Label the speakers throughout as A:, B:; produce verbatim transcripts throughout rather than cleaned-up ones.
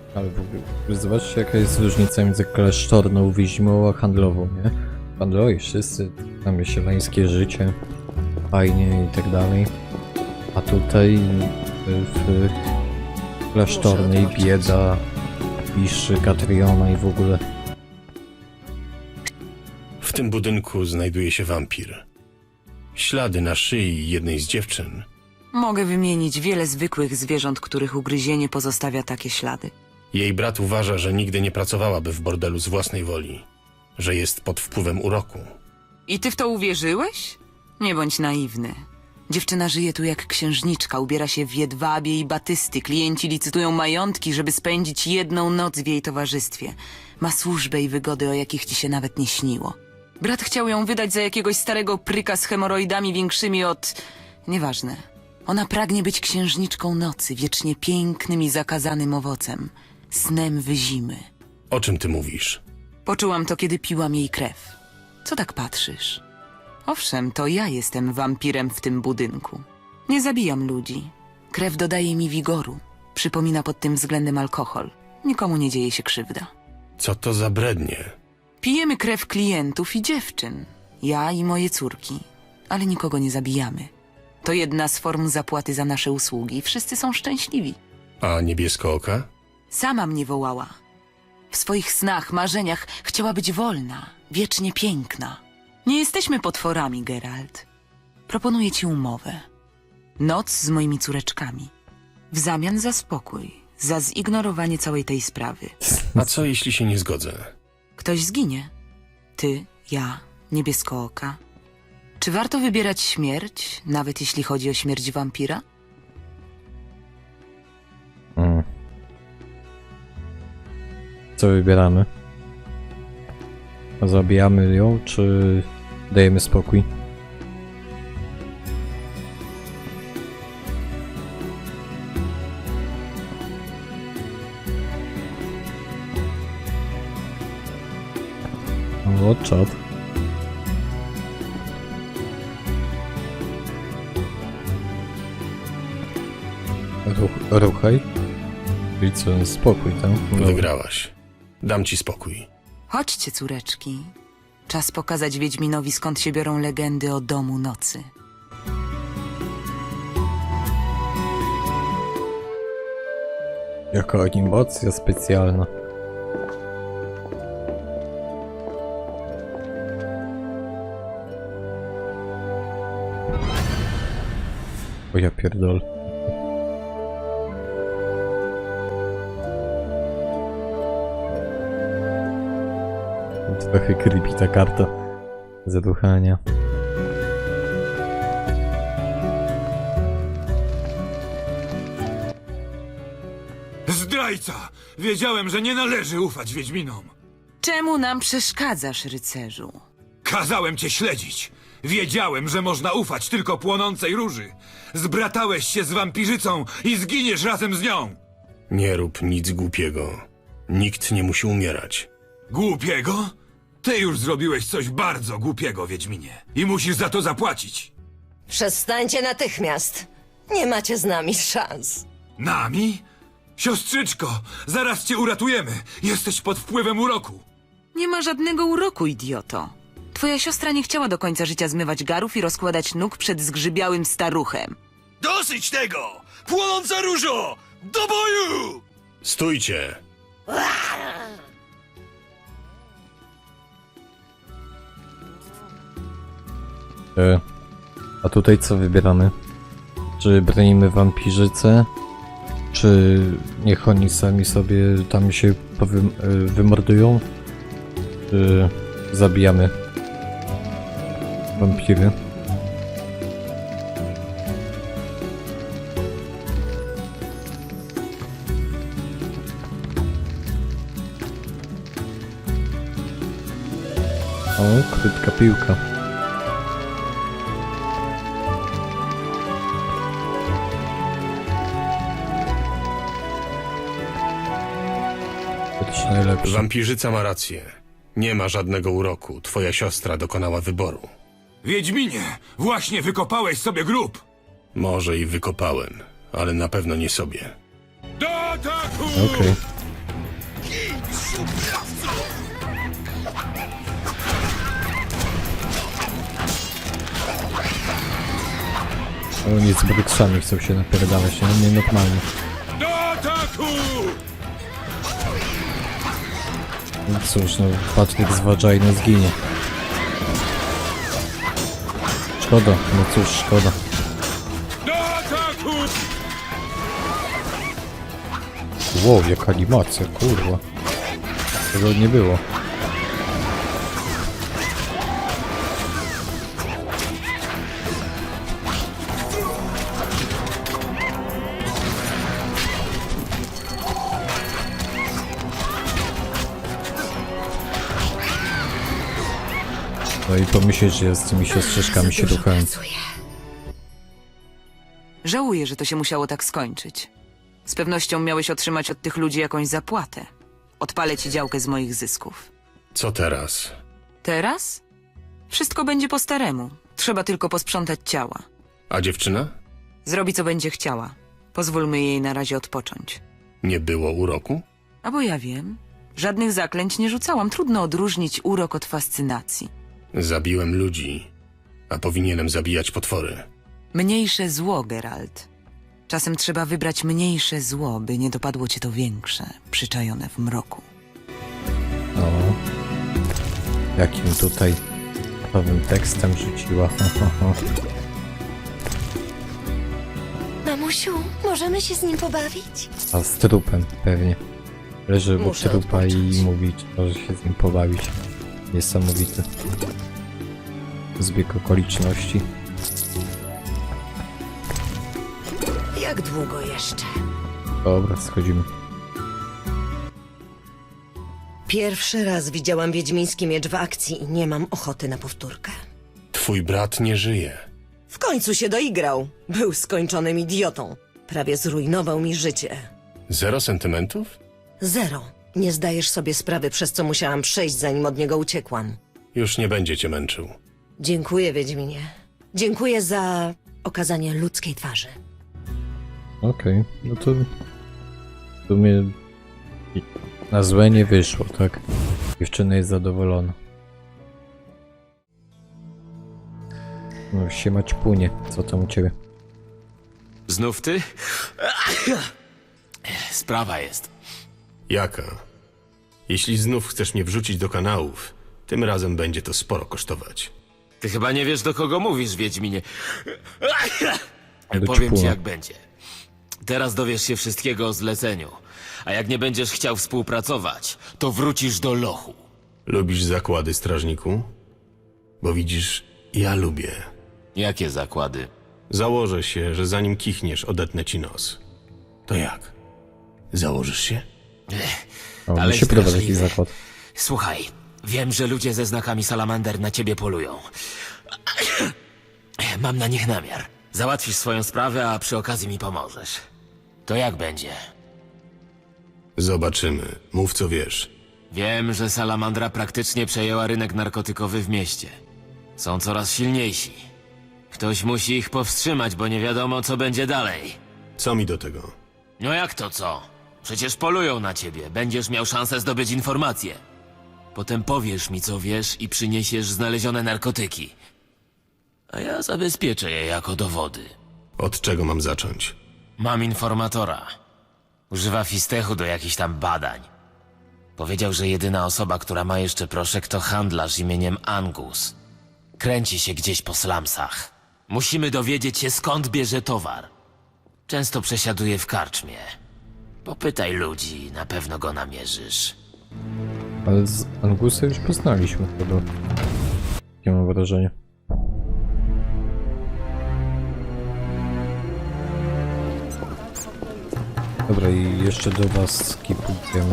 A: Ale w ogóle, zobaczcie jaka jest różnica między klasztorną wiedźmą a handlową, nie? Handlowi wszyscy, mamy sielańskie życie, fajnie i tak dalej. A tutaj w, w klasztornej bieda, piszy, Katriona i w ogóle.
B: W tym budynku znajduje się wampir. Ślady na szyi jednej z dziewczyn.
C: Mogę wymienić wiele zwykłych zwierząt, których ugryzienie pozostawia takie ślady.
B: Jej brat uważa, że nigdy nie pracowałaby w bordelu z własnej woli, że jest pod wpływem uroku.
C: I ty w to uwierzyłeś? Nie bądź naiwny. Dziewczyna żyje tu jak księżniczka, ubiera się w jedwabie i batysty. Klienci licytują majątki, żeby spędzić jedną noc w jej towarzystwie. Ma służbę i wygody, o jakich ci się nawet nie śniło. Brat chciał ją wydać za jakiegoś starego pryka z hemoroidami większymi od... Nieważne. Ona pragnie być księżniczką nocy, wiecznie pięknym i zakazanym owocem. Snem wyzimy.
B: O czym ty mówisz?
C: Poczułam to, kiedy piłam jej krew. Co tak patrzysz? Owszem, to ja jestem wampirem w tym budynku. Nie zabijam ludzi. Krew dodaje mi wigoru. Przypomina pod tym względem alkohol. Nikomu nie dzieje się krzywda.
B: Co to za brednie?
C: Pijemy krew klientów i dziewczyn. Ja i moje córki. Ale nikogo nie zabijamy. To jedna z form zapłaty za nasze usługi i wszyscy są szczęśliwi.
B: A niebieskooka?
C: Sama mnie wołała. W swoich snach, marzeniach chciała być wolna, wiecznie piękna. Nie jesteśmy potworami, Geralt. Proponuję ci umowę. Noc z moimi córeczkami. W zamian za spokój, za zignorowanie całej tej sprawy.
B: A co jeśli się nie zgodzę?
C: Ktoś zginie. Ty, ja, niebieskooka. Czy warto wybierać śmierć, nawet jeśli chodzi o śmierć wampira?
A: Mm. Co wybieramy? Zabijamy ją, czy dajemy spokój? O, czad. Ruch, ruchaj. Czyli co, spokój, tak? No.
B: Wygrałaś. Dam ci spokój.
C: Chodźcie, córeczki. Czas pokazać Wiedźminowi, skąd się biorą legendy o domu nocy.
A: Jaka animacja specjalna. O ja pierdol. Trochę creepy ta karta. Zaduchania.
D: Zdrajca! Wiedziałem, że nie należy ufać Wiedźminom.
C: Czemu nam przeszkadzasz, rycerzu?
D: Kazałem cię śledzić. Wiedziałem, że można ufać tylko płonącej róży. Zbratałeś się z wampirzycą i zginiesz razem z nią.
B: Nie rób nic głupiego. Nikt nie musi umierać.
D: Głupiego? Ty już zrobiłeś coś bardzo głupiego, Wiedźminie. I musisz za to zapłacić.
E: Przestańcie natychmiast. Nie macie z nami szans.
D: Nami? Siostrzyczko, zaraz cię uratujemy. Jesteś pod wpływem uroku.
C: Nie ma żadnego uroku, idioto. Twoja siostra nie chciała do końca życia zmywać garów i rozkładać nóg przed zgrzybiałym staruchem.
D: Dosyć tego! Płonąca różo! Do boju!
B: Stójcie!
A: E, a tutaj co wybieramy? Czy bronimy wampirzycę? Czy niech oni sami sobie tam się powym, e, wymordują? Czy zabijamy wampiry? O, krótka piłka. To najlepsze.
B: Wampirzyca ma rację. Nie ma żadnego uroku. Twoja siostra dokonała wyboru.
D: Wiedźminie, właśnie wykopałeś sobie grób.
B: Może i wykopałem, ale na pewno nie sobie.
D: Do ataku!
A: Okej. Oni z bryksami chcą się napierdalać, nie? Nienormalnie.
D: Do ataku!
A: No cóż, no Patryk z Vagina zginie. Szkoda, no cóż, szkoda.
D: Do ataku!
A: Wow, jaka animacja, kurwa. Tego nie było. No i pomyśleć, że ja z tymi siostrzyczkami się ruchałem.
C: Żałuję, że to się musiało tak skończyć. Z pewnością miałeś otrzymać od tych ludzi jakąś zapłatę. Odpalę ci działkę z moich zysków.
B: Co teraz?
C: Teraz? Wszystko będzie po staremu. Trzeba tylko posprzątać ciała.
B: A dziewczyna?
C: Zrobi, co będzie chciała. Pozwólmy jej na razie odpocząć.
B: Nie było uroku?
C: A bo ja wiem. Żadnych zaklęć nie rzucałam. Trudno odróżnić urok od fascynacji.
B: Zabiłem ludzi, a powinienem zabijać potwory.
C: Mniejsze zło, Geralt. Czasem trzeba wybrać mniejsze zło, by nie dopadło cię to większe, przyczajone w mroku.
A: No. Jakim tutaj nowym tekstem rzuciła.
E: Mamusiu, możemy się z nim pobawić?
A: A z trupem pewnie. Leży obok
E: Muszę
A: trupa i
E: odpocząć.
A: mówi, czy może się z nim pobawić. Niesamowity. Zbieg okoliczności.
E: Jak długo jeszcze?
A: Dobra, schodzimy.
E: Pierwszy raz widziałam wiedźmiński miecz w akcji i nie mam ochoty na powtórkę.
B: Twój brat nie żyje.
E: W końcu się doigrał. Był skończonym idiotą. Prawie zrujnował mi życie.
B: Zero sentymentów?
E: Zero. Nie zdajesz sobie sprawy, przez co musiałam przejść, zanim od niego uciekłam.
B: Już nie będzie cię męczył.
E: Dziękuję, Wiedźminie. Dziękuję za okazanie ludzkiej twarzy.
A: Okej, no to... W sumie... Na złe nie wyszło, tak? Dziewczyna jest zadowolona. No siema ćpunie, co tam u ciebie?
F: Znów ty? Sprawa jest.
B: Jaka? Jeśli znów chcesz mnie wrzucić do kanałów, tym razem będzie to sporo kosztować.
F: Ty chyba nie wiesz, do kogo mówisz, Wiedźminie.
A: Do
F: Powiem ci,
A: ćpuna.
F: jak będzie. Teraz dowiesz się wszystkiego o zleceniu. A jak nie będziesz chciał współpracować, to wrócisz do lochu.
B: Lubisz zakłady, strażniku? Bo widzisz, ja lubię.
F: Jakie zakłady?
B: Założę się, że zanim kichniesz, odetnę ci nos. To jak? Założysz się?
A: O,
F: Ale
A: mi się podoba taki
F: straszliwy.
A: zakład.
F: Słuchaj, wiem, że ludzie ze znakami salamander na ciebie polują. Mam na nich namiar. Załatwisz swoją sprawę, a przy okazji mi pomożesz. To jak będzie?
B: Zobaczymy. Mów co wiesz.
F: Wiem, że salamandra praktycznie przejęła rynek narkotykowy w mieście. Są coraz silniejsi. Ktoś musi ich powstrzymać, bo nie wiadomo, co będzie dalej.
B: Co mi do tego?
F: No jak to co? Przecież polują na ciebie. Będziesz miał szansę zdobyć informacje. Potem powiesz mi, co wiesz i przyniesiesz znalezione narkotyki. A ja zabezpieczę je jako dowody.
B: Od czego mam zacząć?
F: Mam informatora. Używa fistechu do jakichś tam badań. Powiedział, że jedyna osoba, która ma jeszcze proszek, to handlarz imieniem Angus. Kręci się gdzieś po slumsach. Musimy dowiedzieć się, skąd bierze towar. Często przesiaduje w karczmie. Popytaj ludzi, na pewno go namierzysz.
A: Ale z Angusa już poznaliśmy chyba. Takie mam wrażenie. Dobra, i jeszcze do was skipujemy.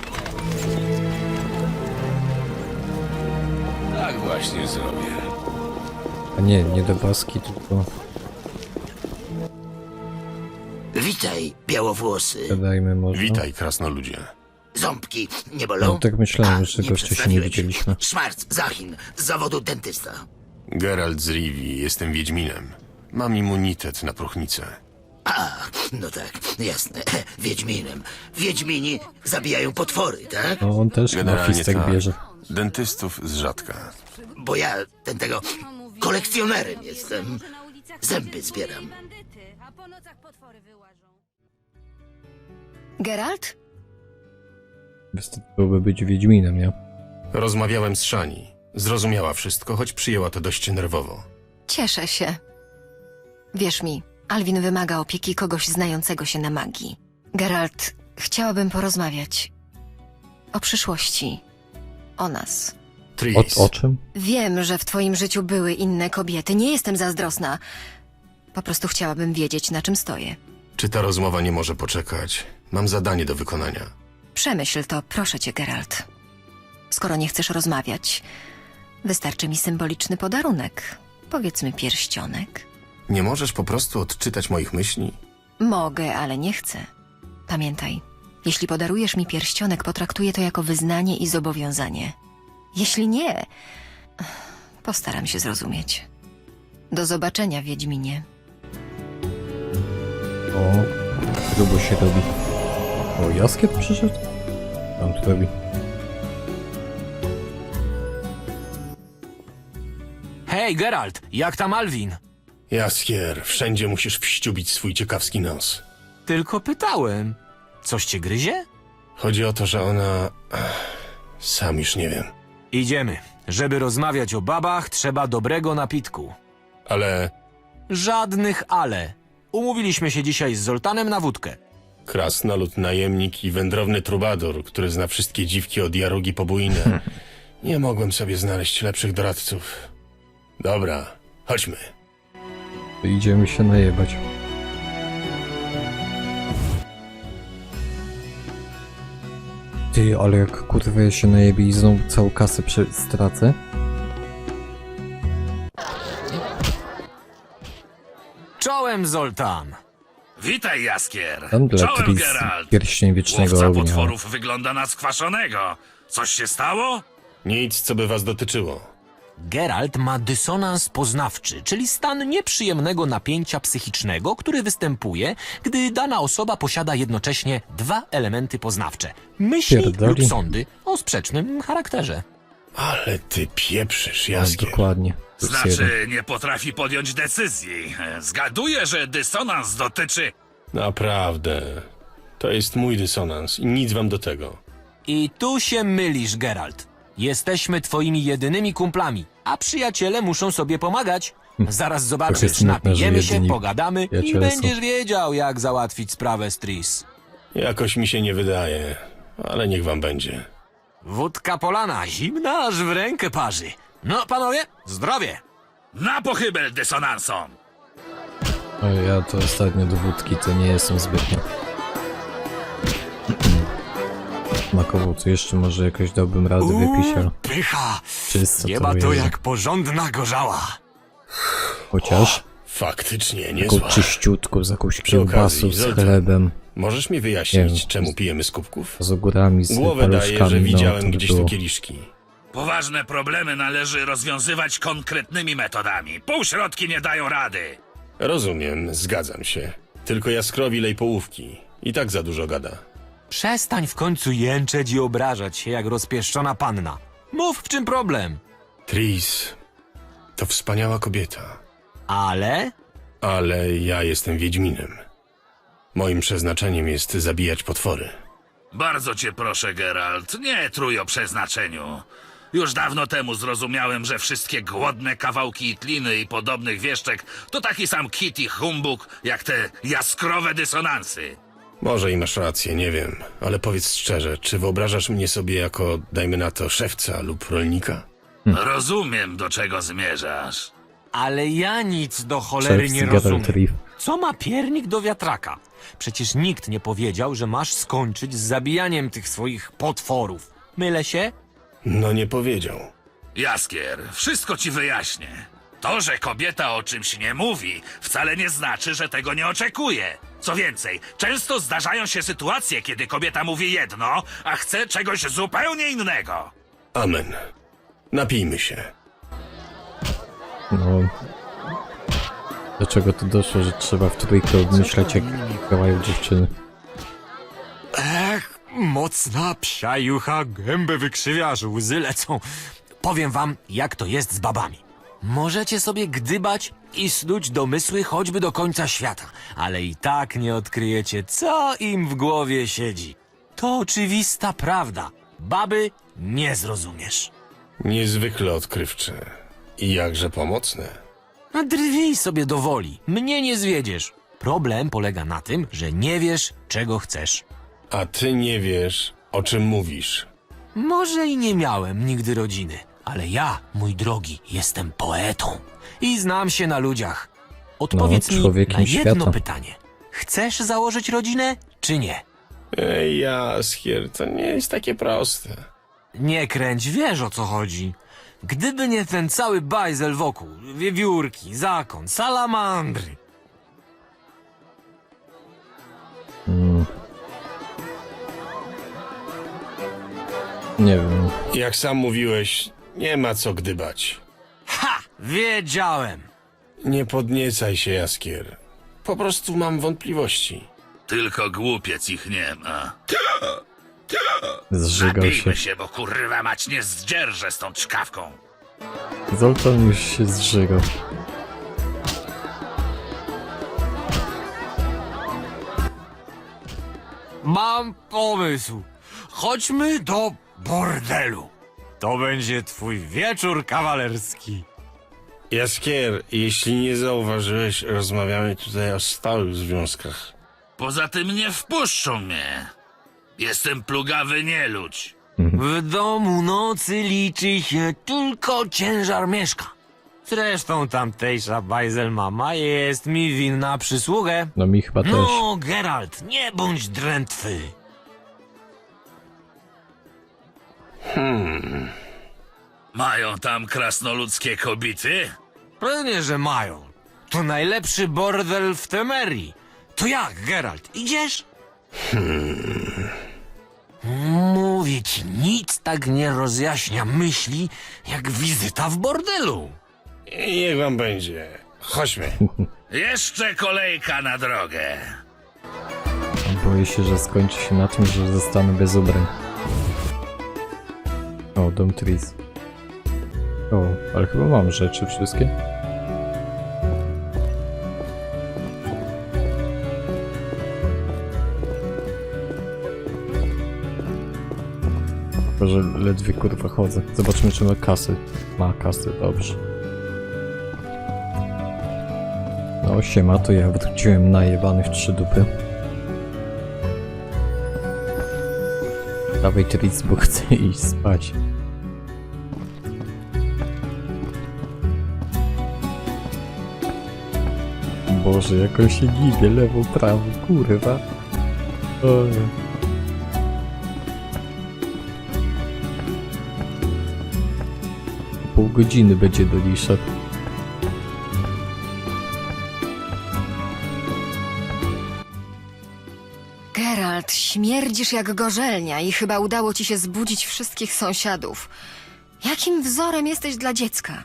F: Tak właśnie zrobię.
A: A nie, nie do waski, tylko
G: Witaj, białowłosy.
A: gadajmy może.
B: Witaj, krasnoludzie.
G: Ząbki nie bolą?
A: No tak myślałem,
G: A,
A: że
G: nie
A: gościa się nie
G: przedstawiłeś.
A: widzieliśmy.
G: Szmarc, Zachin, z zawodu dentysta.
B: Geralt z Rivii, jestem Wiedźminem. Mam immunitet na próchnicę.
G: A, no tak, jasne. Wiedźminem. Wiedźmini zabijają potwory, tak?
A: No on też na
H: Generalnie
A: fistek
H: tak.
A: bierze.
H: Dentystów z rzadka.
G: Bo ja ten tego kolekcjonerem jestem. Zęby zbieram.
I: Geralt?
A: Wystarczyłoby być Wiedźminem, nie?
B: Rozmawiałem z Shani. Zrozumiała wszystko, choć przyjęła to dość nerwowo.
I: Cieszę się. Wierz mi, Alwin wymaga opieki kogoś znającego się na magii. Geralt, chciałabym porozmawiać o przyszłości. O nas.
B: Tris,
A: O, o czym?
I: Wiem, że w twoim życiu były inne kobiety. Nie jestem zazdrosna. Po prostu chciałabym wiedzieć, na czym stoję.
B: czy ta rozmowa nie może poczekać? Mam zadanie do wykonania.
I: Przemyśl to, proszę cię, Geralt. Skoro nie chcesz rozmawiać, wystarczy mi symboliczny podarunek. Powiedzmy pierścionek.
B: Nie możesz po prostu odczytać moich myśli?
I: Mogę, ale nie chcę. Pamiętaj, jeśli podarujesz mi pierścionek, potraktuję to jako wyznanie i zobowiązanie. Jeśli nie, postaram się zrozumieć. Do zobaczenia, Wiedźminie.
A: O, grubo się robi. O, Jaskier przyszedł? Tam tu robi.
J: Hej, Geralt, jak tam Alwin?
B: Jaskier, wszędzie musisz wściubić swój ciekawski nos.
J: Tylko pytałem. Coś cię gryzie?
B: Chodzi o to, że ona... Ech, sam już nie wiem.
J: Idziemy. Żeby rozmawiać o babach, trzeba dobrego napitku.
B: Ale
J: Żadnych ale. Umówiliśmy się dzisiaj z Zoltanem na wódkę.
B: krasnolud, najemnik i wędrowny trubador, który zna wszystkie dziwki od Jarugi po Bujinę. Nie mogłem sobie znaleźć lepszych doradców. Dobra, chodźmy.
A: To idziemy się najebać. Ty, ale jak kurwa ja się najebie i znowu całą kasę prze- stracę?
J: Czołem, Zoltan.
K: Witaj, Jaskier.
A: Tam dla
K: Czołem,
A: Tris,
K: Geralt.
A: pierścień wiecznego
K: Łowca
A: ognia.
K: potworów wygląda na skwaszonego. Coś się stało?
B: Nic, co by was dotyczyło.
J: Geralt ma dysonans poznawczy, czyli stan nieprzyjemnego napięcia psychicznego, który występuje, gdy dana osoba posiada jednocześnie dwa elementy poznawcze. Myśli
A: Pierdoli.
J: lub sądy o sprzecznym charakterze.
B: Ale ty pieprzysz,
A: A,
B: Jaskier.
A: dokładnie. Plus jeden.
K: Znaczy, nie potrafi podjąć decyzji. Zgaduję, że dysonans dotyczy...
B: Naprawdę. To jest mój dysonans i nic wam do tego.
J: I tu się mylisz, Geralt. Jesteśmy twoimi jedynymi kumplami, a przyjaciele muszą sobie pomagać. Zaraz
A: Tak
J: zobaczysz,
A: jest smutne, że
J: napijemy się,
A: jedyni
J: pogadamy i
A: przyjaciele są.
J: będziesz wiedział, jak załatwić sprawę z Tris.
B: Jakoś mi się nie wydaje, ale niech wam będzie.
J: Wódka polana, zimna aż w rękę parzy. No, panowie, zdrowie!
K: Na pochybel dysonansom!
A: O, ja to ostatnio do wódki to nie jestem zbytnio. Makowo, co jeszcze może jakoś dałbym radę wypić, ale
J: pycha!
A: czysto
J: Jeba
A: to
J: to
A: jest.
J: jak porządna gorzała.
A: Chociaż
B: Faktycznie,
A: taką
B: niezła.
A: czyściutką, z jakąś
B: Przy okazji,
A: kiełbasą, z
B: Zoltan,
A: chlebem,
B: Możesz mi
A: Nie
B: wyjaśnić,
A: wiem.
B: czemu pijemy z kubków?
A: z ogórami, z
B: Głowę daję,
A: paluszkami,
B: że
A: no,
B: widziałem
A: to by
B: gdzieś tu
A: było.
B: kieliszki.
K: Poważne problemy należy rozwiązywać konkretnymi metodami. Półśrodki nie dają rady.
B: Rozumiem, zgadzam się. Tylko Jaskrowi lej połówki. I tak za dużo gada.
J: Przestań w końcu jęczeć i obrażać się jak rozpieszczona panna. Mów, w czym problem.
B: Tris, to wspaniała kobieta.
J: Ale...
B: Ale ja jestem Wiedźminem. Moim przeznaczeniem jest zabijać potwory.
K: Bardzo cię proszę, Geralt, nie trój o przeznaczeniu. Już dawno temu zrozumiałem, że wszystkie głodne kawałki itliny i podobnych wieszczek to taki sam kit i humbug, jak te jaskrowe dysonansy.
B: Może i masz rację, nie wiem. Ale powiedz szczerze, czy wyobrażasz mnie sobie jako, dajmy na to, szewca lub rolnika?
K: Rozumiem, do czego zmierzasz.
J: Ale ja nic do cholery
A: Szef
J: nie
A: z Geralt
J: rozumiem.
A: Riff.
J: Co ma piernik do wiatraka? Przecież nikt nie powiedział, że masz skończyć z zabijaniem tych swoich potworów. Mylę się?
B: No nie powiedział.
K: Jaskier, wszystko ci wyjaśnię. To, że kobieta o czymś nie mówi, wcale nie znaczy, że tego nie oczekuje. Co więcej, często zdarzają się sytuacje, kiedy kobieta mówi jedno, a chce czegoś zupełnie innego.
B: Amen. Napijmy się.
A: No, Do czego to doszło, że trzeba w trójkę obmyślać, jak działają dziewczyny.
J: Ech, mocna psia jucha, gębę wykrzywiasz, łzy lecą. Powiem wam, jak to jest z babami. Możecie sobie gdybać i snuć domysły choćby do końca świata, ale i tak nie odkryjecie, co im w głowie siedzi. To oczywista prawda. Baby nie zrozumiesz.
B: Niezwykle odkrywcze. I jakże pomocne.
J: A drwij sobie do woli, mnie nie zwiedziesz. Problem polega na tym, że nie wiesz, czego chcesz.
B: A ty nie wiesz, o czym mówisz.
J: Może i nie miałem nigdy rodziny, ale ja, mój drogi, jestem poetą i znam się na ludziach. Odpowiedz
A: No,
J: mi
A: człowiekiem
J: na jedno
A: świata.
J: pytanie. Chcesz założyć rodzinę, czy nie?
B: Ej, Jaskier, to nie jest takie proste.
J: Nie kręć, wiesz o co chodzi. Gdyby nie ten cały bajzel wokół, wiewiórki, zakon, salamandry.
A: Nie wiem.
B: Jak sam mówiłeś, nie ma co gdybać.
J: Ha! Wiedziałem!
B: Nie podniecaj się, Jaskier. Po prostu mam wątpliwości.
K: Tylko głupiec ich nie ma.
A: Zżygał się.
K: Napijmy się, bo kurwa mać nie zdzierżę z tą czkawką.
A: Zoltan już się zżygał.
J: Mam pomysł. Chodźmy do bordelu. To będzie twój wieczór kawalerski.
B: Jaskier, jeśli nie zauważyłeś, rozmawiamy tutaj o stałych związkach.
K: Poza tym nie wpuszczą mnie. Jestem plugawy nieludź.
J: W domu nocy liczy się tylko ciężar mieszka. Zresztą tamtejsza bajzel mama jest mi winna przysługę.
A: No mi chyba też.
J: No, Geralt, nie bądź drętwy.
K: Mają tam krasnoludzkie kobiety?
J: Pewnie, że mają. To najlepszy bordel w Temerii. To jak, Geralt, idziesz? Hmm. Mówię ci, nic tak nie rozjaśnia myśli, jak wizyta w bordelu.
B: I niech wam będzie. Chodźmy.
K: Jeszcze kolejka na drogę.
A: Boję się, że skończy się na tym, że zostanę bez ubrań. O, dom Tris. O, ale chyba mam rzeczy wszystkie. Tylko, że ledwie kurwa chodzę. Zobaczmy, czy ma kasy. Ma kasy, dobrze. No siema, to ja wróciłem najebany w trzy dupy. Dawaj Tris, bo chcę iść spać. Boże, jak on się gibie, lewo, prawo, kurwa. Oj. Pół godziny będzie do niej szedł.
I: Geralt, śmierdzisz jak gorzelnia i chyba udało ci się zbudzić wszystkich sąsiadów. Jakim wzorem jesteś dla dziecka?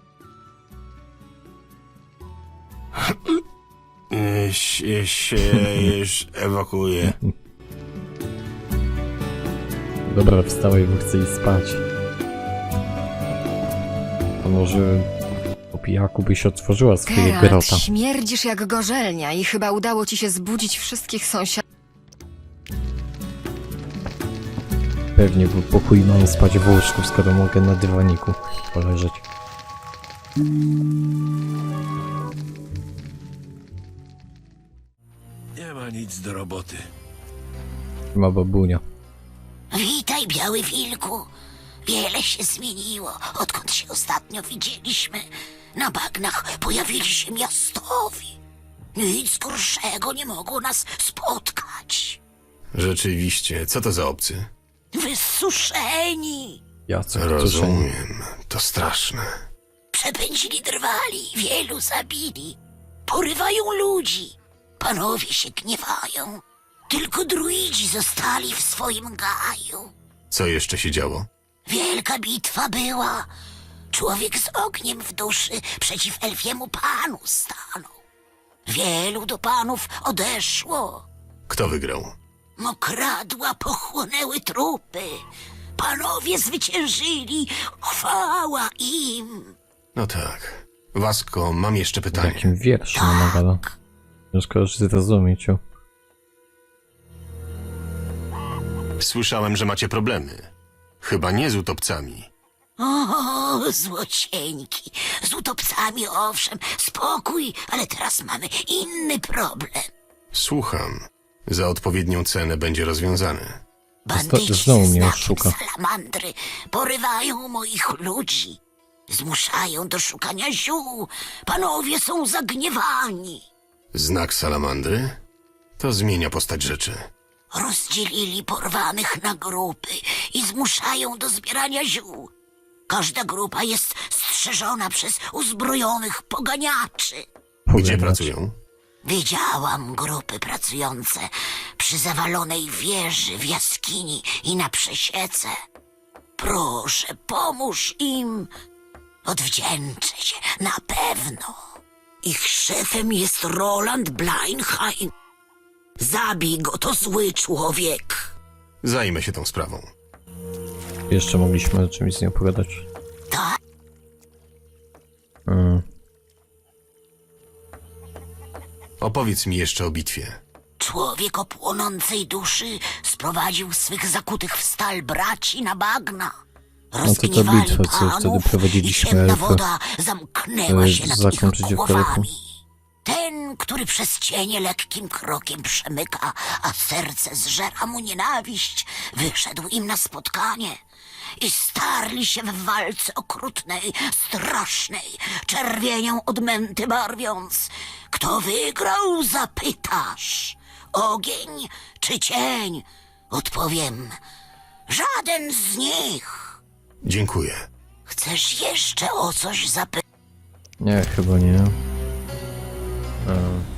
B: Y, się, się już ewakuuję.
A: Dobra, wstałej, bo chcę iść spać. A może po pijaku byś otworzyła swojego
I: Geralt,
A: grota.
I: śmierdzisz jak gorzelnia i chyba udało ci się zbudzić wszystkich sąsiadów.
A: Pewnie, bo pokój mam spać w łóżku, skoro mogę na dywaniku poleżeć.
K: Nie ma nic do roboty.
A: Ma babunia.
G: Witaj, Biały Wilku. Wiele się zmieniło, odkąd się ostatnio widzieliśmy. Na bagnach pojawili się miastowi. Nic gorszego nie mogło nas spotkać.
B: Rzeczywiście, co to za obcy?
G: Wysuszeni.
A: Jacek,
B: Rozumiem, to straszne.
G: Przepędzili drwali, wielu zabili. Porywają ludzi. Panowie się gniewają. Tylko druidzi zostali w swoim gaju.
B: Co jeszcze się działo?
G: Wielka bitwa była. Człowiek z ogniem w duszy przeciw elfiemu panu stanął. Wielu do panów odeszło.
B: Kto wygrał?
G: Mokradła pochłonęły trupy. Panowie zwyciężyli. Chwała im.
B: No tak. Wasko, mam jeszcze
A: W
B: pytanie.
A: jakim wierszu ona gada? Ciężko już zrozumieć. o.
B: Słyszałem, że macie problemy. Chyba nie z utopcami.
G: O, złocieńki. Z utopcami owszem, spokój, ale teraz mamy inny problem.
B: Słucham. Za odpowiednią cenę będzie rozwiązany.
G: Bandyci
A: znowu
G: ze
A: mnie
G: znakiem
A: oszuka.
G: salamandry porywają moich ludzi. Zmuszają do szukania ziół. Panowie są zagniewani.
B: Znak salamandry? To zmienia postać rzeczy.
G: Rozdzielili porwanych na grupy i zmuszają do zbierania ziół. Każda grupa jest strzeżona przez uzbrojonych poganiaczy.
B: Gdzie
A: Pogadać.
B: pracują?
G: Widziałam grupy pracujące przy zawalonej wieży w jaskini i na przesiece. Proszę, pomóż im. Odwdzięczę się, na pewno. Ich szefem jest Roland Bleinheim. Zabij go, to zły człowiek.
B: Zajmę się tą sprawą.
A: Jeszcze mogliśmy o czymś z nią pogadać.
G: Tak.
A: Mm.
B: Opowiedz mi jeszcze o bitwie.
G: Człowiek o płonącej duszy sprowadził swych zakutych w stal braci na bagna.
A: No to ta
G: Rozgniewali
A: bitwa, co wtedy
G: panów
A: prowadziliśmy
G: i ciemna
A: elfy,
G: woda zamknęła
A: e,
G: się nad
A: zakończyć
G: ich
A: w korku.
G: głowami. Ten, który przez cienie lekkim krokiem przemyka, a serce zżera mu nienawiść, wyszedł im na spotkanie i starli się w walce okrutnej, strasznej, czerwienią odmęty barwiąc. Kto wygrał, zapytasz. Ogień czy cień? Odpowiem, żaden z nich.
B: Dziękuję.
G: Chcesz jeszcze o coś zapytać?
A: Nie, chyba nie. E,